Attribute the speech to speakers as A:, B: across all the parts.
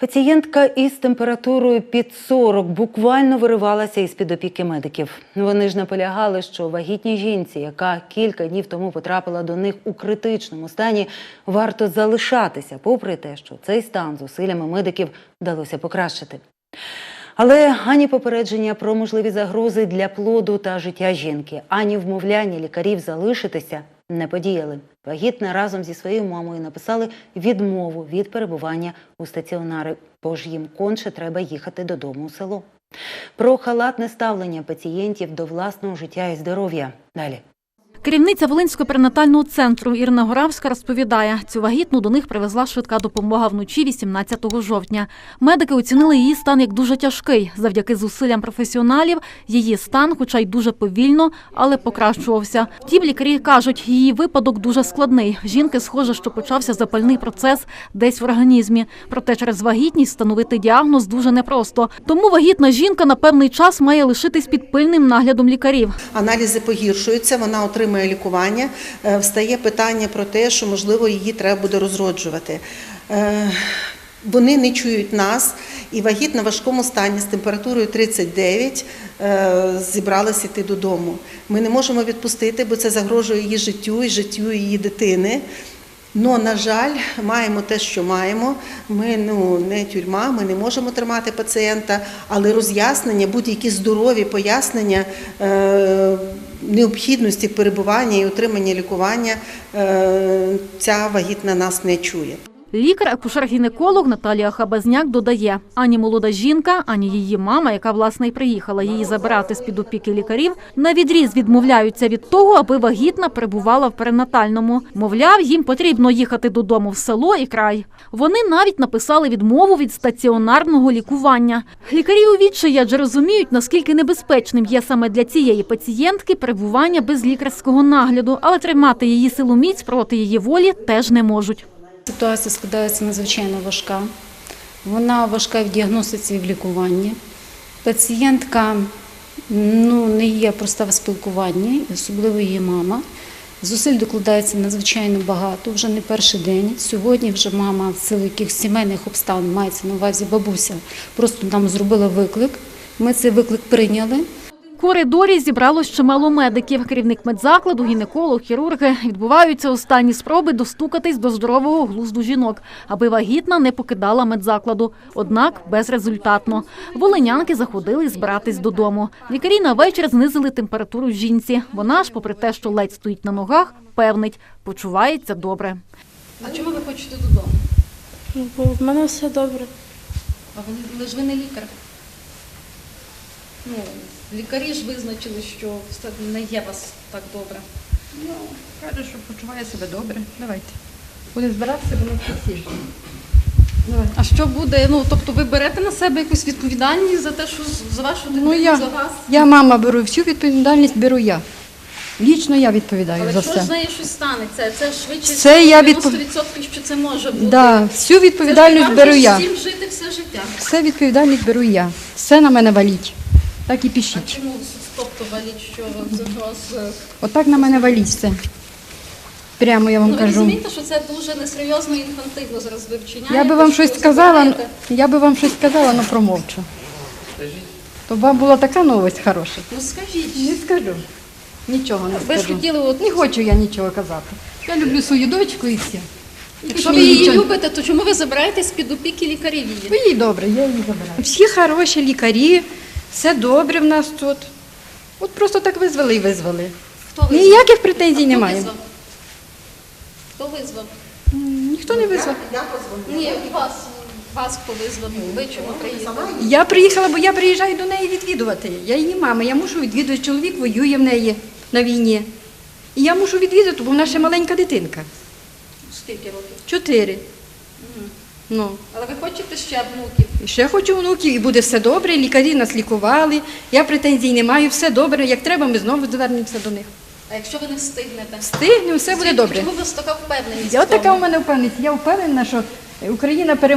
A: Пацієнтка із температурою під 40 буквально виривалася із-під опіки медиків. Вони ж наполягали, що вагітній жінці, яка кілька днів тому потрапила до них у критичному стані, варто залишатися, попри те, що цей стан зусиллями медиків вдалося покращити. Але ані попередження про можливі загрози для плоду та життя жінки, ані вмовляння лікарів залишитися не подіяли. Вагітна разом зі своєю мамою написали відмову від перебування у стаціонарі, бо ж їм конче треба їхати додому у село. Про халатне ставлення пацієнтів до власного життя і здоров'я. Далі.
B: Керівниця Волинського перинатального центру Ірина Горавська розповідає, цю вагітну до них привезла швидка допомога вночі 18 жовтня. Медики оцінили її стан як дуже тяжкий. Завдяки зусиллям професіоналів її стан, хоча й дуже повільно, але покращувався. Втім, лікарі кажуть, її випадок дуже складний. Жінки, схоже, що почався запальний процес десь в організмі. Проте через вагітність встановити діагноз дуже непросто. Тому вагітна жінка на певний час має лишитись під пильним наглядом лікарів.
C: Аналізи погіршуються, вона отримує лікування, встає питання про те, що, можливо, її треба буде розроджувати. Вони не чують нас, і вагітна в важкому стані з температурою 39 зібралась іти додому. Ми не можемо відпустити, бо це загрожує її життю і життю її дитини. Но, на жаль, маємо те, що маємо. Ми не тюрма, ми не можемо тримати пацієнта, але роз'яснення, будь-які здорові пояснення необхідності перебування і отримання лікування ця вагітна нас не чує.
B: Лікар-акушер-гінеколог Наталія Хабазняк додає, ані молода жінка, ані її мама, яка, власне, й приїхала її забирати з-під опіки лікарів, навідріз відмовляються від того, аби вагітна перебувала в перинатальному. Мовляв, їм потрібно їхати додому в село і край. Вони навіть написали відмову від стаціонарного лікування. Лікарі у відчаї, адже розуміють, наскільки небезпечним є саме для цієї пацієнтки перебування без лікарського нагляду, але тримати її силоміць проти її волі теж не можуть.
D: Ситуація складається надзвичайно важка. Вона важка в діагностиці і в лікуванні. Пацієнтка не є проста в спілкуванні, особливо її мама. Зусиль докладається надзвичайно багато, вже не перший день. Сьогодні вже мама в силу якихось сімейних обставин, мається на увазі бабуся, просто нам зробила виклик. Ми цей виклик прийняли.
B: В коридорі зібралось чимало медиків. Керівник медзакладу, гінеколог, хірурги. Відбуваються останні спроби достукатись до здорового глузду жінок, аби вагітна не покидала медзакладу. Однак безрезультатно. Волинянки заходили збиратись додому. Лікарі на вечір знизили температуру жінці. Вона ж, попри те, що ледь стоїть на ногах, певнить, почувається добре.
E: А чому ви хочете додому?
F: Бо в мене все добре.
E: Але ж ви не лікар. Лікарі ж визначили, що все не є у вас так добре.
G: Каже, що почуває себе добре. Давайте. Буде збиратися, воно всі.
E: А що буде? Тобто ви берете на себе якусь відповідальність за те, що за вашу дитину, за вас?
G: Я, мама, беру всю відповідальність, беру я. Лічно я відповідаю
E: Але
G: за
E: якщо
G: все.
E: з нею щось станеться, це швидше
G: Це я
E: 90%, що це може бути.
G: Да, всю відповідальність
E: це
G: беру я.
E: Всім жити все життя.
G: Все відповідальність беру я. Все на мене валіть. Так і пишіть.
E: А чому, тобто, валіть, що за вас?
G: Отак на мене валіть все. Прямо я вам
E: Ви
G: кажу.
E: розумієте, що це дуже несерйозно і інфантильно зараз ви вчиняєте?
G: Я би вам щось
E: що
G: сказала,
E: забираєте.
G: але промовчу. То вам була така новость хороша.
E: Скажіть.
G: Не скажу. Нічого не
E: Ви ж
G: скажу.
E: хотіли
G: Не хочу я нічого казати. Я люблю свою дочку і все.
E: Якщо ви її любите, то чому ви забираєтесь під опіки лікарів її?
G: Бо їй добре, я її забираю. Всі хороші лікарі, все добре в нас тут. От просто так визвали і визвали.
E: Хто визвав?
G: Ніяких претензій
E: Хто
G: немає.
E: визвав? Хто визвав?
G: Ніхто не визвав.
E: Ні, вас хто визвав? Ви чому приїхали?
G: Я приїхала, бо я приїжджаю до неї відвідувати. Я її мама, я мушу відвідувати. Чоловік воює в неї на війні. І я мушу відвідати, бо вона ще маленька дитинка.
E: Скільки років?
G: 4. Ну.
E: Але ви хочете ще внуків?
G: І ще хочу внуків, і буде все добре, лікарі нас лікували, я претензій не маю, все добре, як треба, ми знову звернемося до них.
E: А якщо ви не встигнете?
G: Встигнемо, все буде добре.
E: Чому у вас така впевненість?
G: Я
E: в тому?
G: така у мене впевненість, я впевнена, що Україна переможе.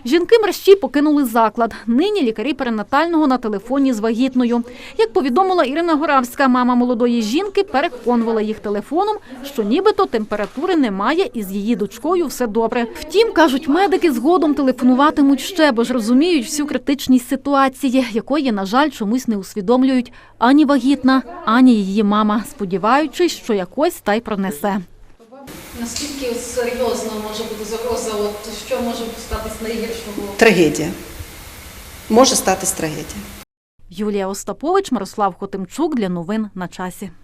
B: Жінки мерщій покинули заклад. Нині лікарі перинатального на телефоні з вагітною. Як повідомила Ірина Горавська, мама молодої жінки переконувала їх телефоном, що нібито температури немає і з її дочкою все добре. Втім, кажуть медики, згодом телефонуватимуть ще, бо ж розуміють всю критичність ситуації, якої, на жаль, чомусь не усвідомлюють ані вагітна, ані її мама, сподіваючись, що якось та й пронесе.
E: Наскільки серйозно може бути загроза? Що може статись найгіршого?
C: Трагедія. Може статись трагедія.
B: Юлія Остапович, Мирослав Хотимчук для новин на часі.